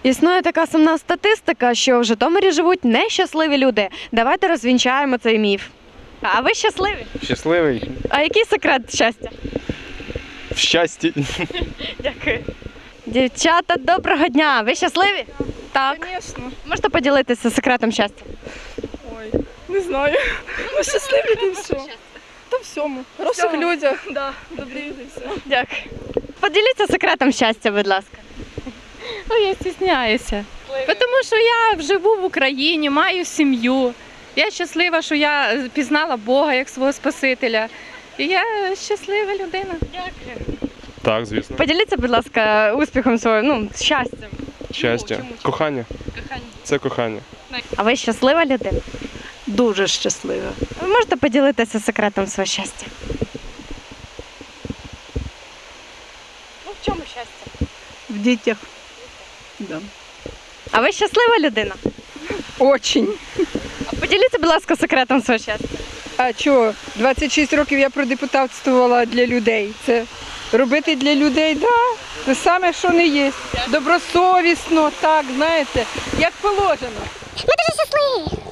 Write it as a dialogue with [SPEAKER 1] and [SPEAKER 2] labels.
[SPEAKER 1] Існує така сумна статистика, що в Житомирі живуть нещасливі люди. Давайте розвінчаємо цей міф. А ви щасливі?
[SPEAKER 2] Щасливий.
[SPEAKER 1] А який секрет щастя?
[SPEAKER 2] В щасті.
[SPEAKER 1] Дякую. Дівчата, доброго дня! Ви щасливі? Так.
[SPEAKER 3] Звісно.
[SPEAKER 1] Можете поділитися секретом щастя?
[SPEAKER 3] Ой, не знаю. Ну, щасливі та все. Та всьому. Хороших людях. Да, добрі люди, все.
[SPEAKER 1] Дякую. Поділіться секретом щастя, будь ласка.
[SPEAKER 4] Ну, я стісняюся. Тому що я живу в Україні, маю сім'ю. Я щаслива, що я пізнала Бога як свого Спасителя. І я щаслива людина.
[SPEAKER 1] Дякую.
[SPEAKER 2] Так, звісно.
[SPEAKER 1] Поділіться, будь ласка, успіхом своїм, щастям.
[SPEAKER 2] Щастя. Кохання. Це кохання.
[SPEAKER 1] А ви щаслива людина?
[SPEAKER 5] Дуже щаслива.
[SPEAKER 1] Ви можете поділитися секретом свого щастя? Ну, в чому щастя?
[SPEAKER 5] В дітях. Да.
[SPEAKER 1] А ви щаслива людина?
[SPEAKER 5] Очень.
[SPEAKER 1] А поділіться, будь ласка, секретом свого щастя.
[SPEAKER 5] А чого? 26 років я продепутатствувала для людей. Це робити для людей, да. Це саме, що не є. Добросовісно, так, знаєте, як положено.
[SPEAKER 6] Ми дуже щасливі.